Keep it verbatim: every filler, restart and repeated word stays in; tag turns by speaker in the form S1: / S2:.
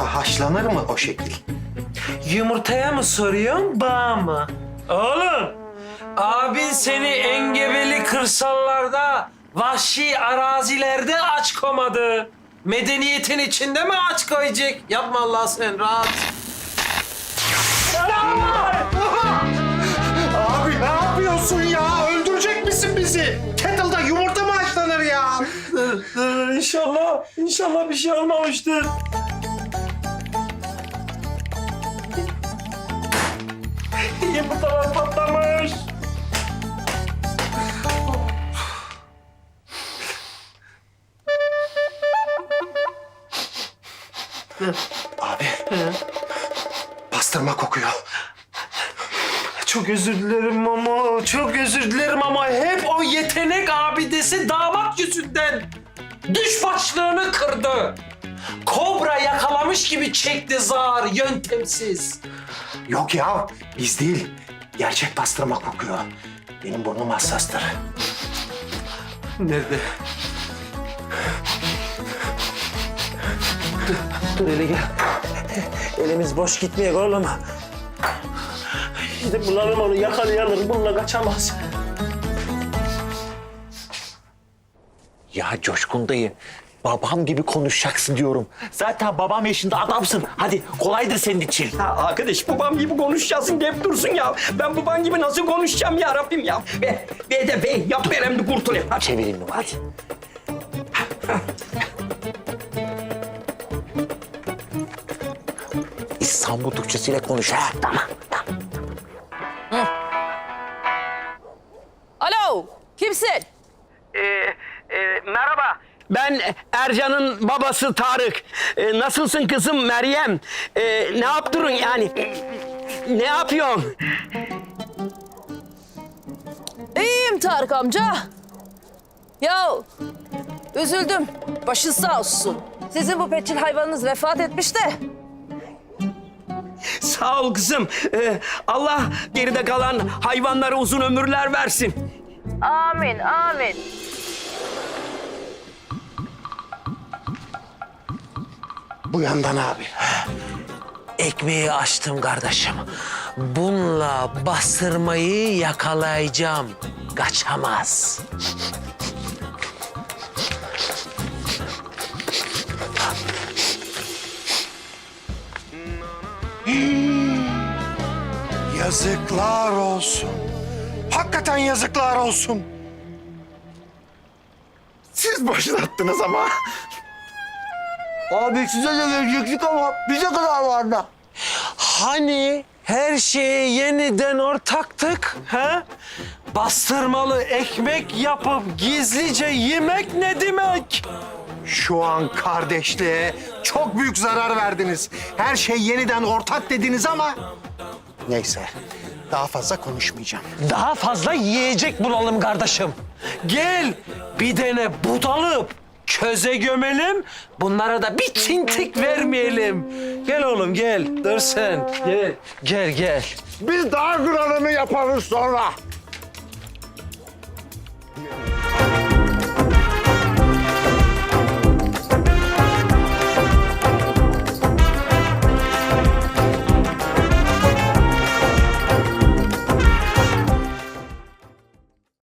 S1: Yumurta haşlanır mı o şekil?
S2: Yumurtaya mı soruyorsun, bağa mı? Oğlum, abin seni engebeli kırsallarda, vahşi arazilerde aç komadı. Medeniyetin içinde mi aç koyacak? Yapma Allah sen, rahat.
S1: Abi ne yapıyorsun ya? Öldürecek misin bizi? Kettle'da yumurta mı haşlanır ya?
S2: Dur, dur, inşallah, inşallah bir şey olmamıştır. Yumurtalar patlamış.
S1: Abi. Pastırma kokuyor.
S2: Çok özür dilerim ama, çok özür dilerim ama hep o yetenek abidesi damat yüzünden düş başlığını kırdı. Kobra yakalamış gibi çekti zar, yöntemsiz.
S1: Yok ya, biz değil. Gerçek pastırma kokuyor. Benim burnum hassastır.
S2: Nerede? Dur hele gel. Elimiz boş gitmeyek oğlum. Gidip bulalım onu, yakalayalım. Bununla kaçamaz.
S3: Ya Coşkun dayı, babam gibi konuşacaksın diyorum. Zaten babam yaşında adamsın. Hadi kolaydır senin için.
S4: Ya arkadaş babam gibi konuşacaksın deyip dursun ya. Ben babam gibi nasıl konuşacağım ya Rabbim ya. Be, be de be yap verem de kurtulayım. Hadi.
S3: Çevireyim mi? Hadi. İstanbul Türkçesiyle konuş ha. Tamam, tamam.
S5: Alo, kimsin?
S4: Ee, e, merhaba. Ben Ercan'ın babası Tarık. Ee, nasılsın kızım Meryem? Ee, ne yaptırın yani? Ne yapıyorsun?
S5: İyiyim Tarık amca. Ya üzüldüm. Başın sağ olsun. Sizin bu petçil hayvanınız vefat etmiş de.
S4: Sağ ol kızım. Ee, Allah geride kalan hayvanlara uzun ömürler versin.
S5: Amin, amin.
S1: Bu yandan abi.
S2: Ekmeği açtım kardeşim. Bununla bastırmayı yakalayacağım. Kaçamaz.
S1: Yazıklar olsun. Hakikaten yazıklar olsun. Siz başlattınız ama.
S6: Abi size de verecektik ama bize kadar vardı.
S2: Hani her şeye yeniden ortaktık, ha? Bastırmalı ekmek yapıp gizlice yemek ne demek?
S1: Şu an kardeşliğe çok büyük zarar verdiniz. Her şey yeniden ortak dediniz ama... Neyse, daha fazla konuşmayacağım.
S2: Daha fazla yiyecek bulalım kardeşim. Gel bir tane budalıp köze gömelim. Bunlara da bir tintik vermeyelim. Gel oğlum gel. Dur sen. Gel. Gel gel.
S6: Biz daha kralını yaparız sonra.